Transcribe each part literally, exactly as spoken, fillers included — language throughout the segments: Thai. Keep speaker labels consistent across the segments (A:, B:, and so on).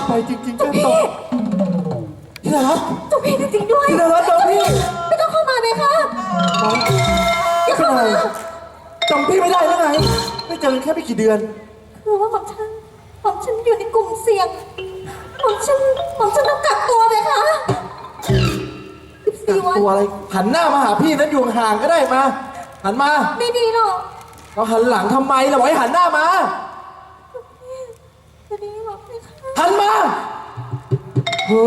A: ไปจริงๆแค่ตกที่ไหนครับ
B: เจ้าพี่จริงๆด้วย
A: ที่ไหนครับน้องพี่
B: ไม่ต้องเข้ามาเลยค่ะอย่าเข้ามา
A: จำพี่ไม่ได้แล้วไงไม่เจอกันแค่ไม่กี่เดือน
B: คือว่าผมฉันผมฉันอยู่ในกลุ่มเสี่ยงผมฉันผมฉันต้องกักตัวเลยค่ะสิบสี่วัน
A: ตัวอะไรหันหน้ามาหาพี่นั้นอยู่ห่างๆก็ได้มา หันมา
B: ไม่ดีหรอก
A: เราหันหลังทำไมเราไว้หันหน้ามา
B: จะดีหรอกเลยค่ะ
A: หันมาโห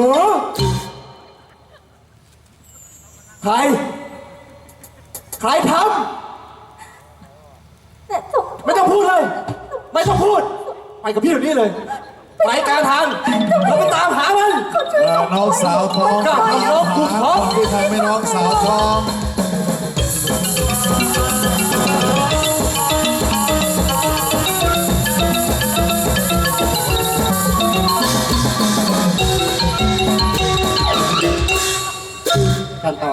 A: ใคร ใครท
B: แต่สม
A: ำไม่ต้องพูดเลย ไม่ต้องพูด ไปกับพี่เดี๋ยวนี้เลย ไปกลางทางเราไปตามหามัน
C: น้องสาวทอง
A: กล้าทำน้องกูท้อง
C: ที่ทำให้น้องสาวทองกันต่อ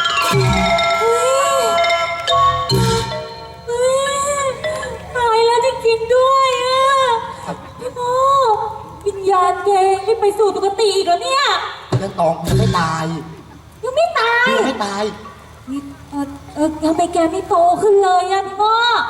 B: เฮ้ยตายแล้วจริงๆด้วยอ่ะพี่โมวิญญาณแกไม่ไปสู่สุคติอีกแล้วเนี่ย
C: กันตองยังไม่ตาย
B: ยังไม่ตาย
C: ยังไม่ตาย
B: นี่เออเออทำไมแกไม่โตขึ้นเลยอ่ะพี่โม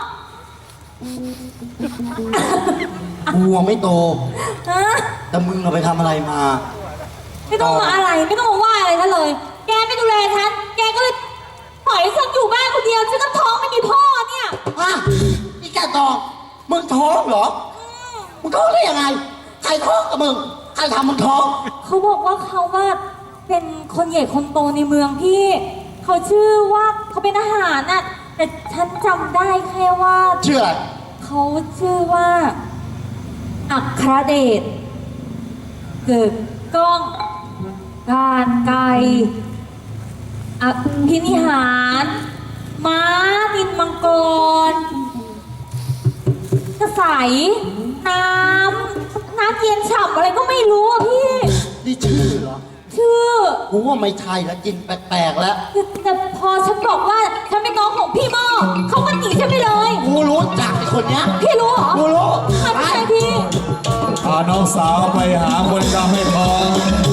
C: กูไม่โต
B: ฮะ
C: แต่มึงเอาไปทำอะไรมา
B: ไม่ต้องมาอะไรไม่ต้องมาว่าอะไรฉันเลย แกไม่ดูแลฉันแกก็เลยปล่อยให้ฉันอยู่บ้านคนเดียวฉันก็ท้องไม่มีพ่อเนี่ย
C: ฮะนี่แกตองมึงท้องเหรอ มึงท้องได้ยังไง ใครท้องกับมึง ใครทำมึงท้อง
B: เขาบอกว่าเขาว่าเป็นคนใหญ่คนโตในเมืองพี่ เขาชื่อว่าเขาเป็นทหารน่ะแต่ฉันจำได้แค่ว่า
C: ชื่ออะไร
B: เขาชื่อว่า อัครเดชเกิดกล้อง การไกลอภินิหาร ม้านินมังกร กระใสน้ำน้ำเย็นฉ่ำอะไรก็ไม่รู้อ่ะพี่
C: นี่ชื่อเหรอ
B: ชื่อ
C: กูว่าไม่ใช่แล้วกินแปลกๆแล้ว
B: แต่แต่พอฉันบอกว่าฉันเป็นน้องของพี่หม้อเขาก็หนีฉันไปเลย
C: กูรู้จักไอ้คนเนี้ย
B: พี่รู้เหรอ
C: กูรู้
B: ใครไม่ใช่พี่
D: พาน้องสาวไปหาคนกำให้ทอง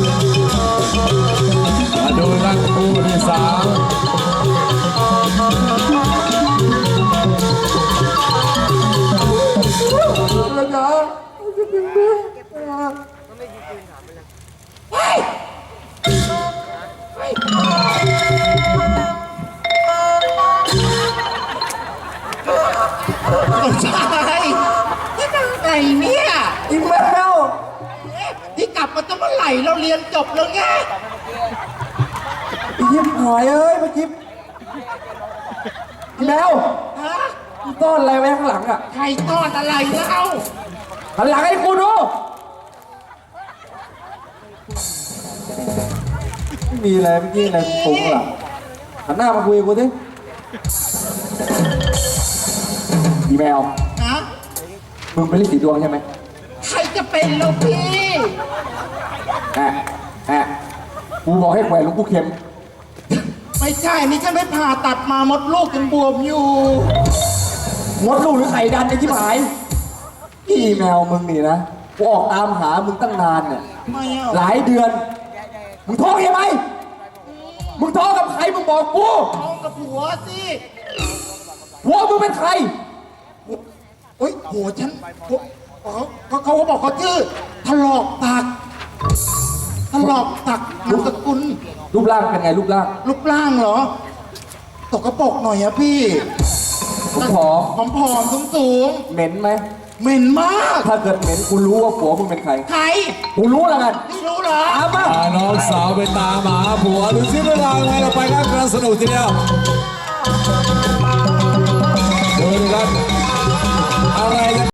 D: มาดูรักคู่ที่สาม
C: ไม่ใช่ที่นั่งไงเนี่ย
A: อีแมว
C: ที่กลับมาตั้งเมื่อไหร่เราเรียนจบแล้วไง
A: อียิ้มหายเอ้ยเมื่อกี้อีแมว
C: ฮะ
A: มึงต้อนอะไรไว้ข้างหลังอ่ะ
C: ใครต้อนอะไรเล่า
A: หันหลังให้กูดูไม่มีอะไรเมื่อกี้อะไรฟุ้งหรอหันหน้ามาคุยกับกูดิอีแมว
C: ฮะ
A: มึงเป็นฤทธิ์สีดวงใช่ไหม
C: ใครจะเป็นเราพี่
A: แอะแอะกูบอกให้แขวนหลูกกูเข็ม
C: ไม่ใช่นี่ฉันไปผ่าตัดมามดลูกยังบวมอยู่
A: มดลูกหรือไข่ดันไอ้ที่หายพี่แมวมึงนี่นะกูออกตามหามึงตั้งนานเนี่ย
C: ไม่เอา
A: หลายเดือน มึงท้องใช่ไหมมึงท้องกับใครมึงบอกกู
C: ท้องกับผัวสิ
A: หัวมึงเป็นใคร
C: โอ๊ยผัวฉันผัวอ๋อเขาเขาบอกเขาชื่อถลอกตักถลอกตักนามสกุล
A: รูปร่างเป็นไงรูปร่าง
C: รูปร่างเหรอ ตกกระปรกหน่อยอะพี่
A: ผมผอม
C: ผอมผอมสูงสูง
A: เหม็นไหม
C: ๆเหม็นมาก
A: ถ้าเกิดเหม็นกูรู้ว่าผัวมึงเป็นใคร
C: ใคร
A: กูรู้แล้วกัน
C: ไม่รู้เหรอ
A: ตามมา
D: พาน้องสาวไปตามหาผัวดูสิเวลาไงเราไปกันกำลังสนุกทีเดียวดูนะครับอะไรกัน